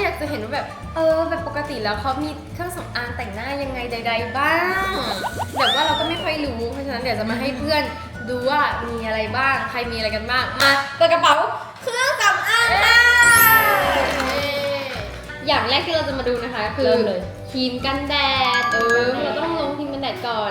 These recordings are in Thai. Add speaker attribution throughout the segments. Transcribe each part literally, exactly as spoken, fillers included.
Speaker 1: อยากจะเห็นว่าแบบเออแบบปกติแล้วเขามีเครื่องสำอางแต่งหน้ายังไงใดๆบ้างแบบว่าเราก็ไม่ค่อยรู้เพราะฉะนั้นเดี๋ยวจะมาให้เพื่อนดูว่ามีอะไรบ้างใครมีอะไรกันบ้างมาเปิดกระเป๋าเครื่องสำอางค่ะอย่างแรกที่เราจะมาดูนะคะคือครีมกันแดดเออเราต้องลงครีมกันแดดก่อน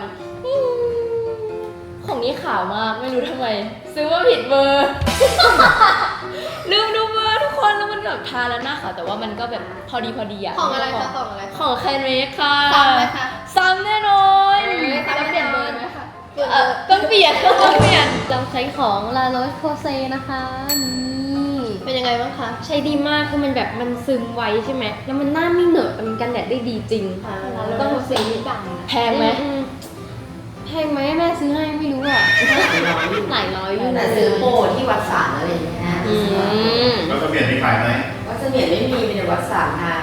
Speaker 2: ของนี้ขาวมากไม่รู้ทำไมซื้อว่าผิดเบอร์ ลืมดูเบอร์ทุกคนแล้วมันแบบทาแล้วหน้าขาวแต่ว่ามันก็แบบพอดีพอดีอะ
Speaker 1: ของอะไรคะของอะไร
Speaker 2: ของแคนเมคค่ะ
Speaker 1: ซ้ำไหมคะ
Speaker 2: ซ้ำแน่นอน
Speaker 1: แล้วเปลี่ยนเบอร์ไหมคะ
Speaker 2: เออต้องเปลี่ยนต้องเปลี่ยน
Speaker 3: เราใช้ของ La Roche-Posay นะคะนี่
Speaker 1: เป็นยังไงบ้างคะ
Speaker 3: ใช้ดีมากคือมันแบบมันซึมไวใช่ไหมแล้วมันหน้าไม่เหนอะแต่มันกันแดดได้ดีจริง
Speaker 1: แล้วก็สีดัง
Speaker 2: แพงไหม
Speaker 3: อืมแพงไหมแม่ซื้อให้ไม่รู้อ่ะหลายร้อยอยู่
Speaker 4: แต่ซื้อโปรที่วัดสารอะไรอย่างเงี้ย
Speaker 3: อืม
Speaker 5: แล้วก็เปลี่ยนที่ขายไหม
Speaker 4: วัดเสมียนไม่มีมีแต่วัดสารค่ะ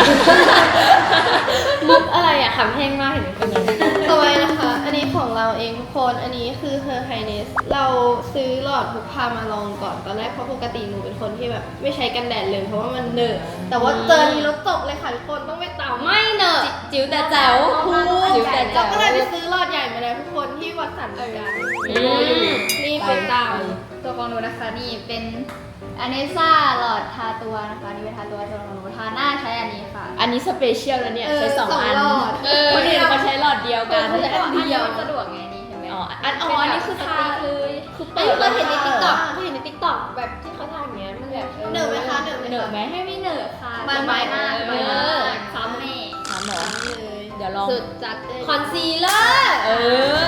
Speaker 3: มุกอะไรอ่ะขำแห้งมากเห็นไหมคนนั้น
Speaker 1: ต่อไปนะคะ อันนี้ของเราเองทุกคน อันนี้คือ Her Highness เราซื้อหลอดพกพามาลองก่อน ตอนแรกเพราะปกติหนูเป็นคนที่แบบไม่ใช้กันแดดเลยเพราะว่ามันเหนอะแต่ว่าเจอนี้แล้วจบเลยค่ะทุกคนต้องไปตาม
Speaker 3: ไม่เนอะ
Speaker 2: จิ๋วแต่แจ๋ว
Speaker 3: จิ๋วแต่แจ๋
Speaker 1: เรา
Speaker 3: ว
Speaker 1: ก็เลยไปซื้อหลอดใหญ่มาแล้วทุกคนที่วัดสันเหมือนกัน
Speaker 3: อืม
Speaker 1: นี่เป็นตาม
Speaker 6: ตัวของหนูนะคะนี่เป็นอเนซ่าหลอดทาตัวนะคะนี่เป็นทาตัวตัวของหนูทาหน้าใช้อันนี้ค่ะ
Speaker 2: อันนี้สเปเชียลแล้วเนี่ยใช้สองอัน
Speaker 1: หลอด
Speaker 2: เออคนอื่นเขาใช้หลอดเดียวกัน
Speaker 6: แต่อันนี้มันสะดวกไงนี่เห็นไหม
Speaker 2: อ๋ออันอ๋ออันนี้คือทาเลยคือ
Speaker 3: เอ้
Speaker 2: เปิ
Speaker 3: ย
Speaker 2: ด
Speaker 3: เคยเห็นในติ๊กต็อกเคยเห็นในติ๊กต็อกแบบที่เขาทำอย่างเงี้ยมันแบบ
Speaker 1: เหนอะไหมคะเหนอะไหม
Speaker 2: เหนอะ
Speaker 1: คะ
Speaker 2: ไหม
Speaker 6: ให้ไม่เหนอะค่ะ
Speaker 1: บานๆ
Speaker 6: สบายมาก
Speaker 2: เออ
Speaker 6: สบายมากซ้ำแม่
Speaker 2: ถามหมอ
Speaker 1: เลย
Speaker 2: เดี๋ยวลอง
Speaker 3: สุดจัด
Speaker 1: ค
Speaker 3: ค
Speaker 1: อ
Speaker 3: อน น
Speaker 1: ซี
Speaker 3: ซี
Speaker 1: ล
Speaker 3: ล
Speaker 1: เล
Speaker 3: เล
Speaker 1: อ
Speaker 3: อ
Speaker 1: ร์
Speaker 3: ร์
Speaker 2: เออ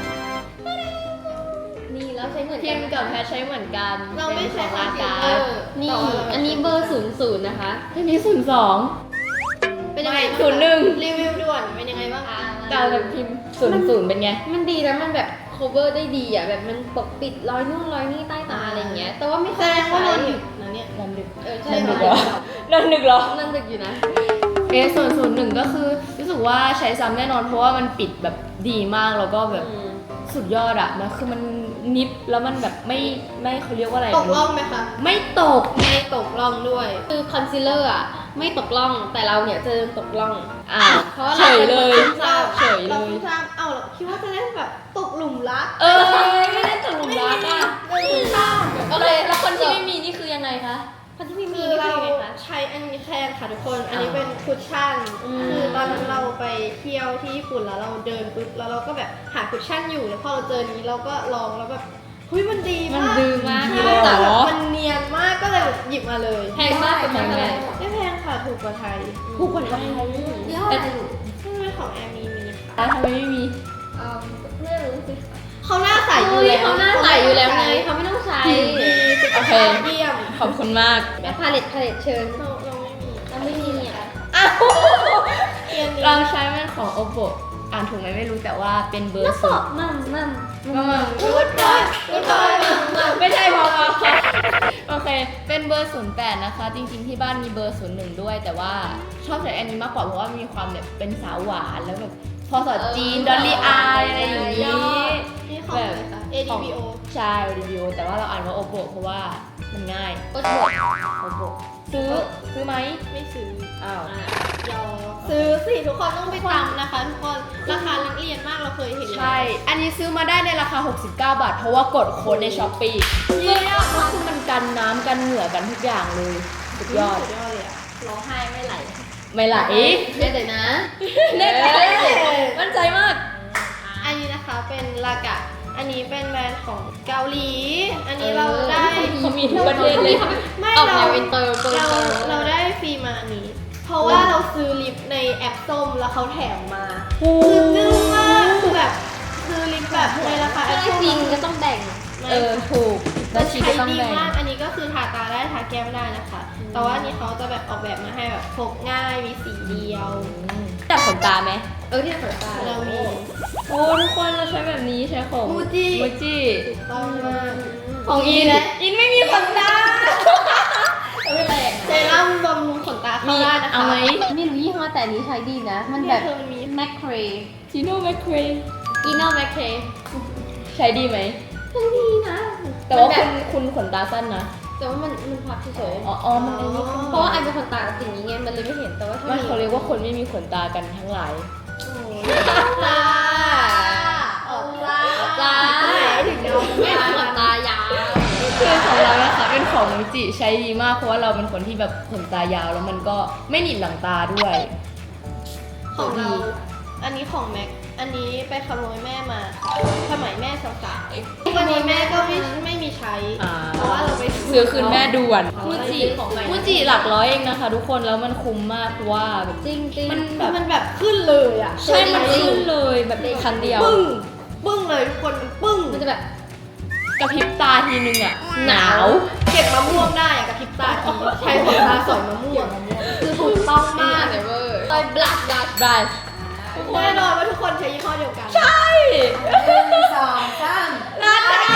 Speaker 3: นี่แล้วใช้เหมือน
Speaker 2: พิ
Speaker 3: กั
Speaker 2: ม
Speaker 3: น
Speaker 2: พ์กับแพทใช้เหมือนกัน
Speaker 1: เราไม่ใช้คอนซีลเลอร์
Speaker 3: นี่อันนี้เบอร์ศูนย์ศูนย์นะคะ
Speaker 2: อันนี้ศูนย์สอง
Speaker 1: เป็นยังไงบ้างคะ
Speaker 2: ศูนย์หนึ่ง
Speaker 1: รีวิวด่วนเป็นยังไงบ้างคะ
Speaker 2: แต่แบบพิมพ์ศูนย์ศูนย์เป็นไง
Speaker 3: มันดีแล้วมันแบบ cover ได้ดีอ่ะแบบมันปกปิดรอยนู่นรอยนี่ใต้ตาอะไรอย่างเงี้ยแต่ว่าไม่
Speaker 1: แส
Speaker 3: ค่อย
Speaker 1: ดงว่า
Speaker 3: ใช้
Speaker 1: นอนดึกนะเนี่ย
Speaker 2: นอนดึก
Speaker 3: เออ
Speaker 2: น
Speaker 3: ใช่
Speaker 2: อนดึก
Speaker 3: เห
Speaker 2: เห
Speaker 3: ร
Speaker 2: ร
Speaker 3: อ
Speaker 2: อนอนดึกเหรอ
Speaker 3: นั่นดึกอยู่นะ
Speaker 2: เอส่วนศูนย์หนึ่งก็คือรู้สึกว่าใช้ซ้ำแน่นอนเพราะว่ามันปิดแบบดีมากแล้วก็แบบสุดยอดอะนะคือมันนิดแล้วมันแบบไม่ไม่เขาเรียกว่าอะไร
Speaker 1: ตกล่องไหมคะ
Speaker 2: ไม่ตก
Speaker 1: ไม่ตกล่องด้วย
Speaker 3: คือคอนซีลเลอร์อ่ะไม่ตกล่องแต่เราเนี่ยเจอตกล่อง
Speaker 2: อ่า
Speaker 3: เพราะว่า
Speaker 2: เฉยเลย
Speaker 1: เรา
Speaker 2: เฉยเล
Speaker 1: เรา
Speaker 2: ย
Speaker 1: เพิ่งทราบเอ้าเราคิดว่าจะเล่นแบบตกหลุมรัก
Speaker 2: เออไม่ได้ตกหลุมรักอะ
Speaker 1: เราเพิ่งทราบ
Speaker 2: โอเคแล้วคนที่ไม่มีนี่คือยังไงคะ
Speaker 3: คนที่ไม่มี
Speaker 1: คือ
Speaker 3: นี่
Speaker 1: เรา
Speaker 3: คือยังไงคะ
Speaker 1: ใช้อันนี้แค่ค่ะทุกคน อันนี้เป็นคุชชั่น
Speaker 3: อืม
Speaker 1: คือตอนนั้นเราไปเที่ยวที่ญี่ปุ่นแล้วเราเดินปุ๊บแล้วเราก็แบบหาคุชชั่นอยู่แล้วพอเราเจอนี้เราก็ลองแล้วแบบเฮ้ยมันดีมาก
Speaker 3: มันดีมาก
Speaker 1: ใช่
Speaker 2: เลยเหรอ
Speaker 1: แต่แบบมันเนียนมากก็เลยแบบหยิบมาเลย
Speaker 3: แพงมากเป็น
Speaker 2: แพงไหม
Speaker 3: เท่าไหร่
Speaker 1: ไม่แพงค่ะถูกกว่าไทย
Speaker 2: ถูกกว่าไทย
Speaker 1: ยี่ห้ออะไรใช่ไหมของแอร์มีมีค่ะ
Speaker 2: แล้วทำไมไม่มี
Speaker 3: เออไม่รู้สิ
Speaker 1: เขาหน้าใสอ
Speaker 3: เฮ้
Speaker 1: ยู่
Speaker 3: ย
Speaker 1: แล้ว
Speaker 3: เขาหน้าใสอยู่แล้วไงเขาไม่ต้องใช้
Speaker 1: ดีสุข
Speaker 2: โอเค
Speaker 1: ภาพเยี่ยม
Speaker 2: ขอบคุณมาก
Speaker 3: แล้วพาเลตพาเลตเชิญ
Speaker 1: เราเราไม่มี
Speaker 3: เราไม่มีอ่ะ
Speaker 2: อ้าว
Speaker 1: เทียนนี้
Speaker 2: เราใช้เป็นของ oppo อ่านถูกไหมไม่รู้แต่ว่าเป็นเบอร์ศูนย์
Speaker 3: มั่มมั่ม
Speaker 2: มามา
Speaker 1: กูดบอยกูดบอยมามา
Speaker 2: ไม่ใช่พอมาโอเค เป็นเบอร์ศูนย์แปดนะคะ จริงๆที่บ้านมีเบอร์ศูนย์หนึ่งด้วย แต่ว่าชอบใช้อันนี้มากกว่าเพราะว่ามีความแบบเป็นสาวหวานแล้วแบบพอสอดจีนดอลลี่อายอะไรอย่างนี้
Speaker 1: นี่ของอะไรคะ เอ ดี บี โอ
Speaker 2: ใช่รีวิวแต่ว่าเราอ่านว่า oppo เพราะว่ามันง่าย
Speaker 3: โอ้โห
Speaker 2: oppo ซื้อซื้อไหม
Speaker 1: ไม่ซื้อ
Speaker 2: อ้าว
Speaker 1: ยอซื้อสิทุกคนต้องไปตามนะคะทุกคนราคานักเรียนมากเราเคยเห็น
Speaker 2: ใช่ อันนี้ซื้อมาได้ในราคา หกสิบเก้า บาท เพราะว่ากดโค้ดในช้อปปี้
Speaker 1: เยี่ยม
Speaker 2: คือมันกันน้ำกันเหงื่อกันทุกอย่างเลย สุดยอด
Speaker 1: สุดยอดเลยอะ
Speaker 6: ร้องไห้ไม่ไหล
Speaker 2: ไม่ไหล
Speaker 3: เดี๋ยวนะ
Speaker 2: แน่ใจมั่นใจมาก
Speaker 1: อันนี้นะคะเป็นลากะ อันนี้เป็นแบรนด์ของเกาหลี อันนี้เราได้
Speaker 2: เขามีทุกประเทศเลย
Speaker 1: ไม่
Speaker 3: ออก
Speaker 1: เรา
Speaker 3: แนวอินเตอร์เปิด
Speaker 1: เรา
Speaker 3: เตอร์
Speaker 1: เราได้ฟรีมาอันนี้ เพราะว่าเราซื้อลิปในแอปส้มแล้วเขาแถมมา คือจึ้งมากคือแบบซื้อลิปแบบในราคาแอป
Speaker 3: ถ้า
Speaker 1: ส้ม
Speaker 3: จริงก็ต้องแบ่ง
Speaker 2: เออ ถูก
Speaker 1: มั
Speaker 2: แล้ว
Speaker 1: น
Speaker 2: ชี
Speaker 1: ใช้
Speaker 2: ก็ต้อง
Speaker 1: ดี
Speaker 2: แบ่ง
Speaker 1: มาก อันนี้ก็คือทาตาได้ทาแก้มได้นะคะ แต่ว่าอันนี้เขาจะแบบออกแบบมาให้แบบพกง่ายมีสีเดียว
Speaker 2: จับขนตาไหม
Speaker 3: เออที่ขนตา
Speaker 1: เรามี
Speaker 2: โอ้ทุกคนเราใช้แบบนี้ใช้ของ
Speaker 1: มูจิ
Speaker 2: มูจิ
Speaker 1: ถูกต้องมาก
Speaker 2: ของอิน อินไม่มีขนตาไม่แรง
Speaker 1: เซรั่มบำรุงขนตาเข้าได้นะคะ
Speaker 2: เอาไหม
Speaker 3: ไม่รู้ยี่ห้อแต่อันนี้ใช้ดีนะ มัน
Speaker 1: เนี่
Speaker 3: แบ
Speaker 1: ย
Speaker 3: บ
Speaker 1: เธอมันมี
Speaker 3: แมคเคร
Speaker 2: จีโน่แมคเคร
Speaker 3: อีโนแมคเคร
Speaker 2: ใช้ดีไหม
Speaker 3: มันดีนะ
Speaker 2: แต่ว่า
Speaker 3: มัน
Speaker 2: คุ
Speaker 3: บบ
Speaker 2: ณคุณขนตาสั้นนะ
Speaker 3: แต่ว่ามันมันพับเฉย
Speaker 2: อ๋ออ๋อมันไอ้นี่
Speaker 3: ๆเพราะว่าไอเป็นคนตาสิ่งนี้ไงมันเลยไม่เห็นแต่ว่าถ้า
Speaker 2: ไม่เขาเรียกว่าคนไม่มีขนตากันทั้งหลาย
Speaker 3: ตาออกตาตาถึงเราไม่ขนตายาว
Speaker 2: คือของเรานะคะเป็นของมูจิใช้ดีมากเพราะว่าเราเป็นคนที่แบบขนตายาวแล้วมันก็ไม่หนีบหลังตาด้วย
Speaker 5: ของเรา อันนี้ของแม็ก อันนี้ไปขโมยแม่มา สมัยแม่สาวๆวันนี้แม่ก็ไม่ไม่มีใช้
Speaker 2: อ่า
Speaker 5: เพราะว่าเราไป
Speaker 2: ซื้อคืนแม่ด่วน
Speaker 3: มูจิของใหม่
Speaker 2: มูจิหลักร้อยเองนะคะ ทุกคนแล้วมันคุ้มมากเพราะว่าแบบ
Speaker 3: จริงจริง
Speaker 2: มันแบบ
Speaker 5: มันแบบขึ้นเลยอ่ะ
Speaker 2: ใช่มันขึ้นเลยแบบครั้งเดียว
Speaker 5: ปึ้ง ปึ้งเลยทุกคนมันปึ้ง
Speaker 3: มันจะแบบ
Speaker 2: กระพริบตาทีนึงอ่ะหนาว
Speaker 5: เก็บมะม่วงได้อะกับพริบตาทีใช้ขนตาสอยมะม่วง
Speaker 3: คือถูกต้องมากเลยเว้ยรอยบลัชบลัช
Speaker 2: บรัช
Speaker 5: แน่นอนว่าทุกคนใช้ยี่ห้อเดียวกัน
Speaker 2: ใช่
Speaker 4: หนึ่งสองสาม
Speaker 2: นัดกัน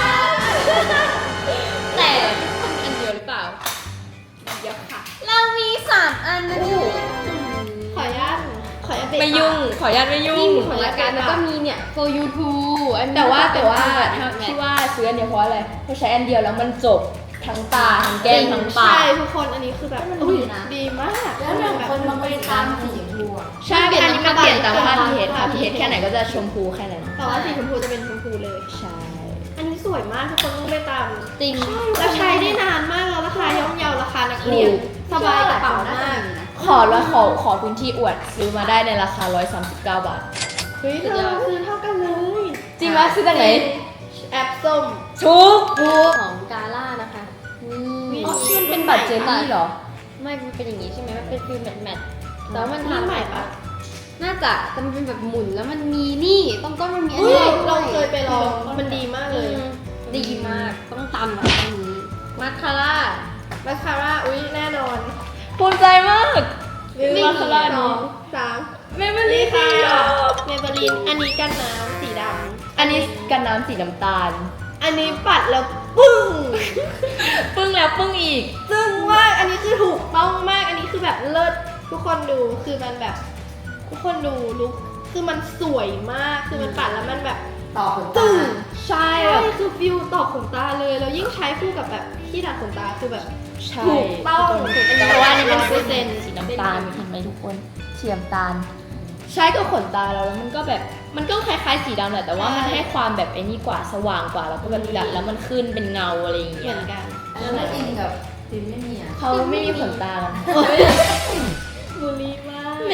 Speaker 3: แต่มันอันเดียวหรือเปล่า
Speaker 5: เดี๋ยวค่ะ
Speaker 3: เรามีสามอันนะทุก
Speaker 5: ขออนุญาตขออนุญาตเบรก
Speaker 2: ไม่ยุ่ง ขออนุญาตไม่ยุ่
Speaker 3: นี่
Speaker 2: ง
Speaker 3: มีของรายการแล้วก็มีเนี่ย for you too อันนี้
Speaker 2: แต่ว่า
Speaker 3: ก็
Speaker 2: แต่ว่า
Speaker 3: เป็น
Speaker 2: ถ้า
Speaker 3: แบบ
Speaker 2: ที่ว่าซื้ออันเดียวเพราะอะไรเพราะใช้อันเดียวแล้วมันจบทั้งตาทั้งแก้มทั้งปาก
Speaker 5: ใช่ทุกคนอันนี้คือแบบอุ้ยดีมาก
Speaker 4: แล้วหนึ่งคนบางคนตามสีชมพูอะ
Speaker 2: ใช่อันนี้มันเปลี่ยนตามค่าพีเอสค่ะพีเอสแค่ไหนก็จะชมพูแค่นั้น
Speaker 5: แต่ว่าสีชมพูจะเป็นชมพูเลย
Speaker 2: ใช่
Speaker 5: อันนี้สวยมากทุกคนต้องไปตาม
Speaker 3: จริง
Speaker 5: แล้วใช้ได้นานมากแล้วราคาย่อมเยาราคานักเรียนสบายกระเป๋ามาก
Speaker 2: ขอแล้วขอขอพื้นที่อวดซื้อมาได้ในราคาหนึ่งร้อยสามสิบเก้าบาท
Speaker 5: เฮ้ยเธอซื้อเท่ากันเลย
Speaker 2: จริงไหมซื้อจากไหน
Speaker 5: แอปส้ม
Speaker 2: ชุก
Speaker 3: ของกาล่านะคะนี่
Speaker 2: อ๋อมันเป็นบัตรเจลลี่เหรอ
Speaker 3: ไม่มันเป็นอย่างนี้ใช่ไหมมันเป็นฟิลแมทแมทแต่ว่ามัน
Speaker 5: นี่
Speaker 3: ทำ
Speaker 5: ใหม่ปะ
Speaker 3: น่าจะแต่มันเป็นแบบหมุนแล้วมันมีนี่ต้องก็มันมีอัน
Speaker 5: อุ้ย
Speaker 3: นี้
Speaker 5: เราเคยไปลองมันดีมากเลย
Speaker 3: ดีมากต้องตำแบบนี้มาคาร่า
Speaker 5: มาคาร่าอุ้ยแน่นอน
Speaker 2: ภูมิใจมาก
Speaker 5: หนึ่ง
Speaker 2: มาคาร่า
Speaker 5: สองสาม
Speaker 2: เมเบลี
Speaker 5: นี่
Speaker 2: ค่ะ
Speaker 5: ค่ะเมเบลินอันนี้กันน้ำสีดำ
Speaker 2: อันนี้กันน้ำสีน้ำตาล
Speaker 5: อันนี้ปัดแล้วปึ้ง
Speaker 2: ปึ้งแล้วปึ้งอีก
Speaker 5: ซึ่งว่าอันนี้คือถูกต้องมากอันนี้คือแบบเลิศทุกคนดูคือมันแบบ ทุกคนดูลุกคือมันสวยมากคือมันปัดแล้วมันแบบ
Speaker 4: ต่อขน
Speaker 5: ตึ้
Speaker 4: ตา
Speaker 5: งใช่คือฟิลต่อขนตาเลยแล้วยิ่งใช้คู่กับแบบที่ดัดขนตาคือแบบ
Speaker 2: ใช่
Speaker 5: ถูกต้อง
Speaker 2: เพราะว่าอันนี้เป็น
Speaker 5: เปอร์เซ็นต์
Speaker 2: สีน้ำตาลเห็นไหมทุกคนสีน้ำตาล ใช้กับขนตาเราแล้วมันก็แบบมันก็คล้ายๆสีดำแหละแต่ว่ามันให้ความแบบไอ้นี่กว่าสว่างกว่าแล้วก็แบบดัดแล้วมันขึ้นเป็นเงาอะไรอย่าง
Speaker 5: เห
Speaker 2: เงี้
Speaker 5: มื
Speaker 2: ย
Speaker 5: อนกัน
Speaker 4: แล้วไม่อินกับฟิล์มไม่มีอ่ะ
Speaker 2: เขาไม่มีขนตากัน
Speaker 5: บุรีมาก
Speaker 3: แหม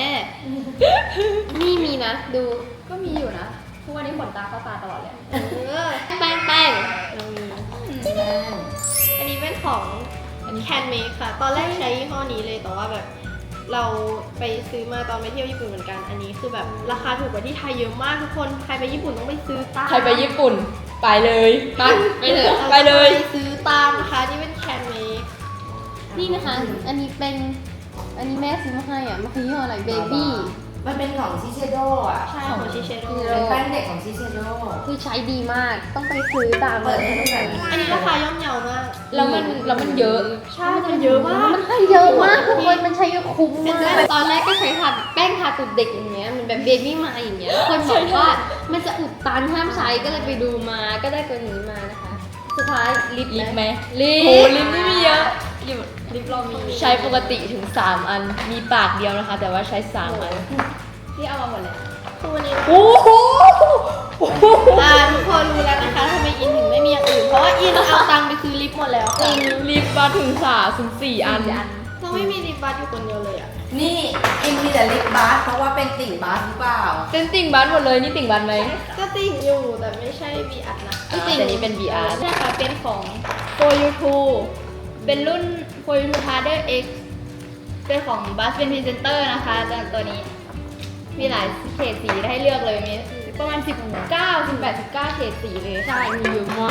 Speaker 3: นี่มีนะดู
Speaker 6: ก็มีอยู่นะ ทุกวันนี้ขนตาเข้าตาตลอดเลย
Speaker 5: เออ
Speaker 3: แป้งแป้ง
Speaker 5: เรามีอันนี้เป็นของแคนเมคค่ะ ตอนแรกใช้ยี่ห้อนี้เลยแต่ว่าแบบ เราไปซื้อมาตอนไปเที่ยวญี่ปุ่นเหมือนกัน อันนี้คือแบบราคาถูกกว่าที่ไทยเยอะมากทุกคน ใครไปญี่ปุ่นต้องไปซื้อตาม
Speaker 2: ใครไปญี่ปุ่นไปเลย
Speaker 3: ไปไปเลย
Speaker 2: ไปเลย
Speaker 5: ไปซื้อตามนะคะนี่เป็นแคนเมค
Speaker 3: นี่นะคะ อันนี้เป็นอันนี้แม่ซื้อมาให้อ่ะมันคือยี่ห้ออะไรเบบี้
Speaker 4: มันเป็นของชิเชโดอ่ะ
Speaker 5: ใช่ของชิเชโด
Speaker 4: เป็นแป้งเด็กของชิเชโด
Speaker 3: คือใช้ดีมากต้องไปซื้อตาม
Speaker 4: เปิดให้ดูหน่อย
Speaker 5: อันนี้ราคาย่อมเยามาก
Speaker 2: แล้วมันแล้วมันเยอะ
Speaker 5: ใช่มันเยอะมาก
Speaker 3: มันให้เยอะมากทุกคนมันใช้เยอะคุ้ม
Speaker 5: เป็น
Speaker 3: มา
Speaker 5: แป้
Speaker 3: ก
Speaker 5: ง
Speaker 3: ตอนแรกก็ใช้ทาแป้งทาตุดเด็กอย่างเงี้ยมันแบบเบบี้มาอย่างเงี้ยคนบอกว่ามันจะอุดตันห้ามใช้ก็เลยไปดูมาก็ได้ตัวนี้มานะคะ สุดท้ายลิป
Speaker 2: ลิปไหม
Speaker 3: ลิ
Speaker 2: โห
Speaker 3: ป
Speaker 2: ลิปไม่มีเยอะลิป
Speaker 5: ลิปเรามี
Speaker 2: ใช้ปกติถึงสามอันมีปากเดียวนะคะ แต่ว่าใช้สามอัน
Speaker 6: ที่เอามาหมดเลย
Speaker 5: คือวันนี้
Speaker 2: โอ้โห
Speaker 5: อ่าทุกคนรู้แล้วนะคะทำไมอินถึงไม่มีอย่างอื่น เพราะว่าอินเอาตังค์ไปซื้อลิปหมดแล้วค่ะ
Speaker 2: ลิปมาถึงสามถึงสี่อัน
Speaker 5: เราไม่มีลิปบัสอยู่คนเดียวเลยอ่ะ
Speaker 4: นี่อินมีแต่ลิปบาสเพราะว่าเป็นติ่งบาสหรือเปล่า
Speaker 2: เป็นติ่งบันหมดเลยนี่ติ่งบันไหม
Speaker 5: ก็ติ่งอยู่แต่ไม่ใช่ วี อาร์ นะ
Speaker 2: อ่าแต่นี้เป็น วี อาร์
Speaker 6: นี่ค่ะเป็นของ for you two เป็นรุ่น for you two harder x เป็นของ Buzz เป็นพรีเซนเตอร์นะคะตัวนี้ มีหลายเฉดสีให้เลือกเลย มีประมาณ สิบเก้า สิบแปด สิบเก้าเฉดสีเลย
Speaker 3: ใช่มีเยอะมาก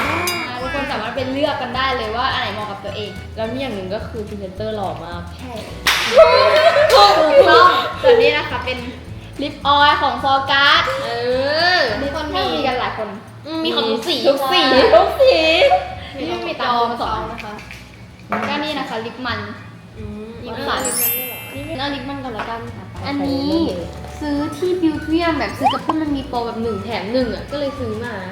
Speaker 6: ทุกคนสามารถเป็นเลือกกันได้เลยว่าอันไหนเหมาะกับตัวเอง
Speaker 2: แล้วมีอย่างหนึ่งก็คือพรีเซนเตอร์หล่อมาก
Speaker 6: ใช่ถูกต้องส่วนนี้นะคะเป็นลิปออยล์ของฟอร์การ์ด
Speaker 3: เออ
Speaker 6: ทุกคนมีมีกันหลายคน
Speaker 3: มีของทุกสี
Speaker 2: ทุกสีทุกสี
Speaker 6: นี่ไม่มีตามมาสอนนะคะก็นี่นะคะลิปมัน
Speaker 3: ลิปมันนี่เอาลิปมันก่อนละกันอันนี้ซื้อที่บิวเทียมแบบซื้อกับเพื่อนมันมีโปรแบบหนึ่งแถมหนึ่งอ่ะก็เลยซื้อมา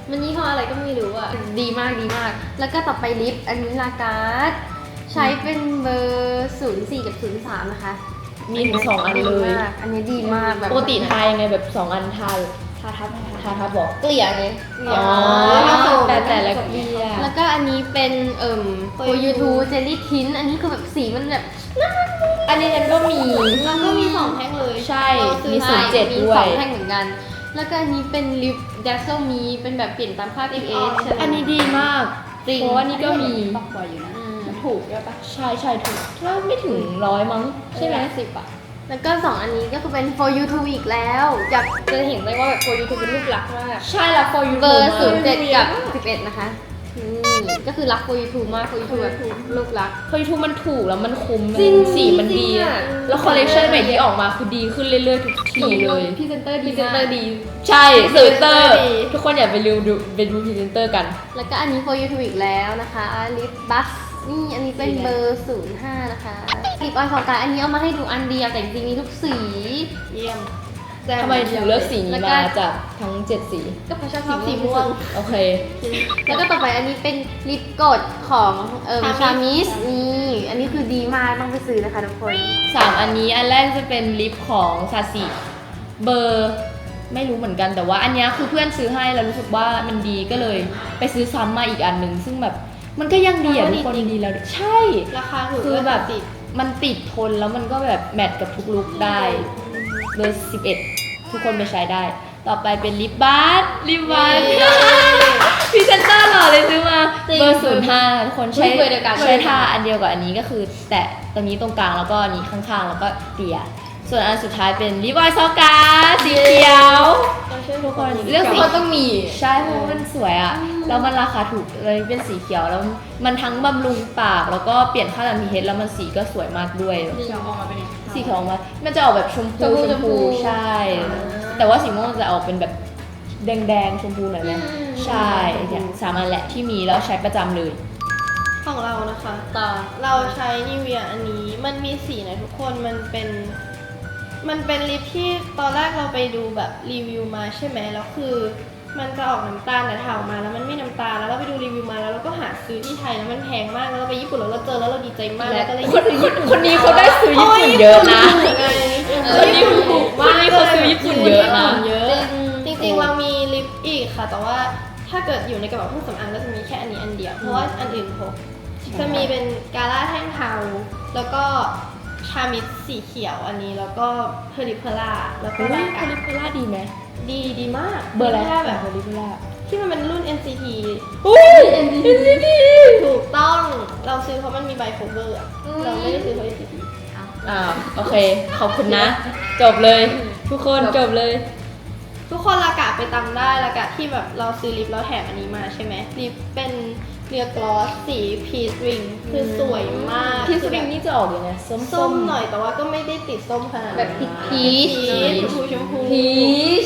Speaker 3: มันยี่ห้ออะไรก็ไม่รู้อ่ะ ดีมากดีมาก แล้วก็ต่อไปลิป อันนี้ลาการ์ดใช้เป็นเบอร์ศูนย์สี่กับศูนย์สามนะคะ
Speaker 2: มีถึงสองอันเลย
Speaker 3: ดีมากอันนี้ดีมากแบบ
Speaker 2: ปกติทายังไงแบบสองอันทาทาทับทาทับบอก
Speaker 3: เกลี่ยไง
Speaker 2: อ๋อแต่แต่ละเกลีย
Speaker 3: แล้วก็อันนี้เป็นเอ่มโฟยูทูเจลลี่ทินอันนี้คือแบบสีมันแบบ
Speaker 2: อันนี้ฉันก็มี
Speaker 5: แล้วก็มีสองแท่งเลย
Speaker 2: ใช่
Speaker 5: เราซื้อ
Speaker 2: มี
Speaker 5: มา
Speaker 2: ศูนย์เจ็ด
Speaker 3: มี
Speaker 2: ด้ว
Speaker 3: สอย งแท่งเหมือนกัน แล้วก็อันนี้เป็นลิปดัซเซลมีเป็นแบบเปลี่ยนตามค่า พี เอช ใช่ไหม
Speaker 2: อันนี้ดีมาก
Speaker 3: จริง
Speaker 2: เพราะว่านี่ก็มี
Speaker 6: ปอกกว่าอยู่นะ
Speaker 3: อืม
Speaker 5: ถูกด้วยปะ
Speaker 2: ใช่ใช่ถูกถ้าไม่ถึงร้อยมั้งใช่ไหม
Speaker 3: สิบอ่ะ แล้วก็สองอันนี้ก็คือเป็น for you to อีกแล้วจะจะเห็นได้ว่าแบบ for you to เป็นรูปลักษณ์มาก
Speaker 2: ใช่ละ for you
Speaker 3: เบอร์
Speaker 2: มาก
Speaker 3: ศูนย์เจ็ดกับสิบเอ็ดนะคะนี่ก็คือรัก for you to มาก for you to แบบรูปลักษณ์
Speaker 2: for you ทูมันถูกแล้วมันคุ้ม
Speaker 3: จริง
Speaker 2: สีมันดี
Speaker 3: จริงอะ
Speaker 2: แล้วคอลเลคชันใหม่ที่ออกมาคือดีขึ้นเรื่อยๆทุกทีเลย
Speaker 3: พรีเซนเตอร์
Speaker 2: พ
Speaker 3: ดี
Speaker 2: รีเซน
Speaker 3: มา
Speaker 2: เตอก ร์ดี ใช่พรีเซนเตอร์
Speaker 5: ดี
Speaker 2: ทุกคนอย่าไปดูดูไปดูพรีเซนเตอร์กัน
Speaker 3: แล้วก็อันนี้ for you to อีกแล้วนะคะลิปบัสนี่อันนี้เป็นเบอร์ศูนย์ห้านะคะลิปออยล์ของการอันนี้เอามาให้ดูอันเดียวแต่จริงๆมีทุกสี
Speaker 5: เยี่ยม
Speaker 2: ทำไมถึงเลือกสีนี้
Speaker 3: แล้วก็
Speaker 2: มาจากทั้งเจ็ดสี
Speaker 3: ก็เพราะชอบ
Speaker 5: ชอบสี
Speaker 3: สี
Speaker 5: ม่
Speaker 3: ม่
Speaker 5: ว
Speaker 3: ว
Speaker 5: ง
Speaker 3: ง
Speaker 2: โอเค
Speaker 3: แล้วก็ต่อไปอันนี้เป็นลิปกดของเอ่อ
Speaker 5: Charmis
Speaker 3: ชามิสนี่อันนี้คือดีมากต้องไปซื้อนะคะทุกคน
Speaker 2: สามอันนี้อันแรกจะเป็นลิปของซาซิเบอร์ไม่รู้เหมือนกันแต่ว่าอันเนี้ยคือเพื่อนซื้อให้แล้วรู้สึกว่ามันดีก็เลยไปซื้อซ้ำมาอีกอันหนึ่งซึ่งแบบมันก็ยังดีอ่ะทุกคนดีแล้วใช่
Speaker 5: ราคาถูก
Speaker 2: คือแบบ
Speaker 5: ติด
Speaker 2: มันติดทนแล้วมันก็แบบแมทกับทุกลุคได้เบอร์สิบเอ็ดทุกคนไปใช้ได้ ต่อไปเป็นลิปบาสลิปบาสพรีเซนเตอร์หล่อเลยซื้อมา
Speaker 3: จริง
Speaker 2: เบอร์ศูนย์ห้าทุกคนใช้
Speaker 3: เบอร์เดียวกัน
Speaker 2: ใช้ทาอันเดียวกับอันนี้ก็คือ แตะตรงนี้ตรงกลางแล้วก็อันนี้ข้างๆ แล้วก็เตี่ยส่วนอันสุดท้ายเป็นลิปออยล์ซอก้าสีเขียวทุกคนเลือกสี
Speaker 3: มันต้องมี
Speaker 2: ใช่เพราะว่ามันสวยอะแล้วมันราคาถูกเลยเป็นสีเขียวแล้วมันทั้งบำรุงปากแล้วก็เปลี่ยนค่าน้ำ พี เอช แล้วมันสีก็สวยมากด้วย
Speaker 6: เขียวออกมาเป็นยังไง
Speaker 2: สีเขียวออกมามันจะออกแบบชมพู
Speaker 3: ชมพู
Speaker 2: ชมพู
Speaker 3: ชมพู
Speaker 2: ใช่ แต่ว่าสีม่วงจะออกเป็นแบบแดงๆชมพูหน่อยไหมใช่เนี่ยสามอันแหละที่มีแล้วใช้ประจำเลย
Speaker 5: ของเรานะคะ
Speaker 3: ต่อ
Speaker 5: เราใช้นิเวียอันนี้มันมีสีนะทุกคนมันเป็น มันเป็นลิปที่ตอนแรกเราไปดูแบบรีวิวมาใช่ไหมแล้วคือมันจะออกน้ำตาลแต่ถ่ายออกมาแล้วมันไม่น้ำตาลแล้วเราไปดูรีวิวมาแล้วเราก็หาซื้อที่ไทยแล้วมันแพงมากแล้วเราไปญี่ปุ่นแล้วเราเจอแล้วเราดีใจมากแล้วก็เลย
Speaker 2: คนคนคนนี้เขาได้ซื้อญี่ปุ่นเยอะนะ คนนี้
Speaker 5: ถูก
Speaker 2: ค
Speaker 5: มาก
Speaker 2: นนี้เขาซื้อญี่ปุ่นเยอะนะ
Speaker 5: เยอะ จริงๆเรามีลิปอีกค่ะ แต่ว่าถ้าเกิดอยู่ในกระเป๋าเครื่องสำอางก็จะมีแค่อันนี้อันเดียว เพราะว่าอันอื่นพกจะมีเป็นกาล่าแท่งเทาแล้วก็ชามิดสีเขียวอันนี้แล้วก็เพอริเพล่าแล้วก็
Speaker 2: เฮ้ย
Speaker 5: ลา
Speaker 2: ค
Speaker 5: กา
Speaker 2: ลิปเปล่าดีไหม
Speaker 5: ดีดีมาก
Speaker 2: เบอร์อะไร
Speaker 5: แค่แบบ
Speaker 2: คลิปเปล่า
Speaker 5: ที่มันเป็นรุ่น เอ็น ซี ที
Speaker 2: อุ้ย เอ็น ซี ที
Speaker 5: ถูกต้องเราซื้อเพราะมันมีไบโคเวอร์อะเราไม่ได้ซื้อเพราะ เอ็น ซี ที
Speaker 2: อ่าโอเค ขอบคุณนะ จบเลย ทุกคนจบเลย
Speaker 5: ทุกคนละกะไปตำได้ละกะที่แบบเราซื้อลิปแล้วแถมอันนี้มาใช่ไหมลิปเป็นเนื้อกลอสสีพีชริงคือสวยมาก
Speaker 2: ที่ส
Speaker 5: คือ
Speaker 2: ปริง
Speaker 5: แบบ
Speaker 2: นี่จะออกยังไงส้ม
Speaker 5: ส้มหน่อยแต่ว่าก็ไม่ได้ติดส้มขนาดนั้น
Speaker 3: แบบพีช
Speaker 5: พีชชมพูชมพู
Speaker 3: พีช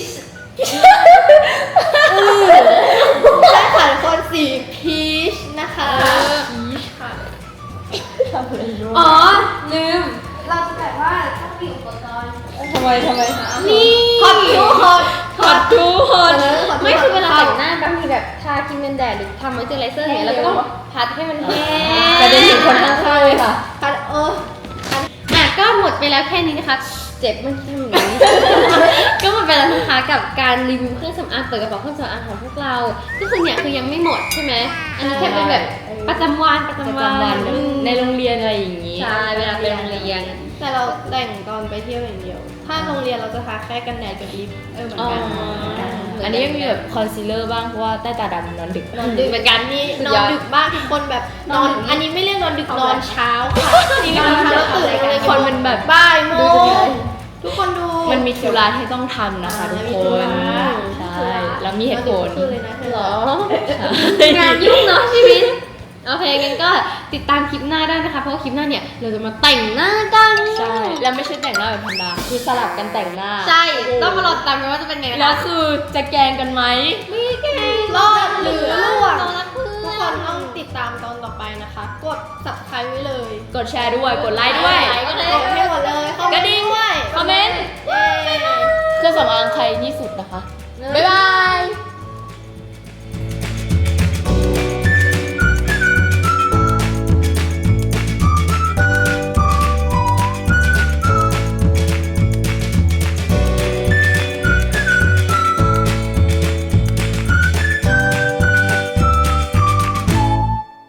Speaker 5: ใช่ค่ะทุกคนสีพีชนะคะพีชค่ะ
Speaker 3: อ๋อลืมเราจะแบบว่าถ้ามีอุปกรณ์
Speaker 2: ทำไมทำไม
Speaker 3: นี่
Speaker 5: ฮอตทูฮอต
Speaker 2: ขอทุกคน
Speaker 3: ไม่คือเวลาแต่งหน้าบางทีแบบทาครีมกันแดดหรือทำมอยเจอไรเซอร์เนี่ยเราก็ต้องพัดให้มันแห้ง
Speaker 2: ประเด็นถึงคนข้างๆเลยค่ะ
Speaker 5: พัดเออ
Speaker 3: อ่ะก็หมดไปแล้วแค่นี้นะคะ เจ็บมันทำอย่างนี้ ก็หมดไปแล้วนะคะกับการรีวิวเครื่องสำอางเปิดกระเป๋าเครื่องสำอางของพวกเราก็คือเนี่ยคือยังไม่หมดใช่ไหมอันนี้แค่เป็นแบบประจำวันประ
Speaker 2: ประ
Speaker 3: จำ
Speaker 2: จำ
Speaker 3: วั
Speaker 2: วัน น
Speaker 3: อืม
Speaker 2: ในโรงเรียนอะไรอย่างนี้
Speaker 3: ใช่เวลาไปโรงเรียน
Speaker 5: แต่เราแต่งตอนไปเที่ยวอย่างเดียว ถ้าโรงเรียนเราจะทาแค่กันแดดกับลิปเออเหมือนกัน
Speaker 3: อ๋อ
Speaker 2: อันนี้ยังมีแบบคอนซีลเลอร์บ้างเพราะว่าใต้ตาดำนอนดึก
Speaker 5: นอนดึกเหมือนกันนี่
Speaker 3: สุด
Speaker 5: น
Speaker 3: ย
Speaker 5: อ
Speaker 3: อน ด
Speaker 5: ดึกมากทุกคนแบบนอนอันนี้ไม่เรียกนอนดึกนอนเช้าค่ะนี่นอนเช้าแล้วตื่นมาเลย
Speaker 2: คนมันแบบ
Speaker 5: บ่ายโมงทุกคนดู
Speaker 2: มันมีธุระที่ต้องทำนะคะทุกคนใช่แล้วมีเหตุผล
Speaker 5: คือเลยนะเธอ
Speaker 3: เหรอ งานยุ่งเนาะชีวิต โอเคงั้นก็ติดตามคลิปหน้าได้นะคะ เพราะว่าคลิปหน้าเนี่ยเราจะมาแต่งหน้ากัน
Speaker 2: ใช่ แล้วไม่ใช่แต่งหน้าแบบธรรมดาคือสลับกันแต่งหน้า
Speaker 3: ใช่ ต้องมารอติดตามกันว่าจะเป็นไงนะ
Speaker 2: แล้ว
Speaker 3: คะ
Speaker 2: คือจะแกล้งกันไหม
Speaker 5: รอดหรือร่วง
Speaker 3: เรารักเพื่
Speaker 5: ทุก
Speaker 3: อ
Speaker 5: คน
Speaker 3: น
Speaker 5: ต้องติดตามตอนต่อไปนะคะ กด subscribe ไว้เลย
Speaker 2: กดแชร์ด้วย กดไลค์ด้วย
Speaker 5: กดให้หมดเลยคอมเม
Speaker 2: กระ
Speaker 5: นต์
Speaker 2: ดิ่ง
Speaker 5: ด้วย
Speaker 2: คอมเมนต์
Speaker 5: เย้
Speaker 2: เครื่องสำอางใครที่สุดนะคะ
Speaker 3: บ๊ายบาย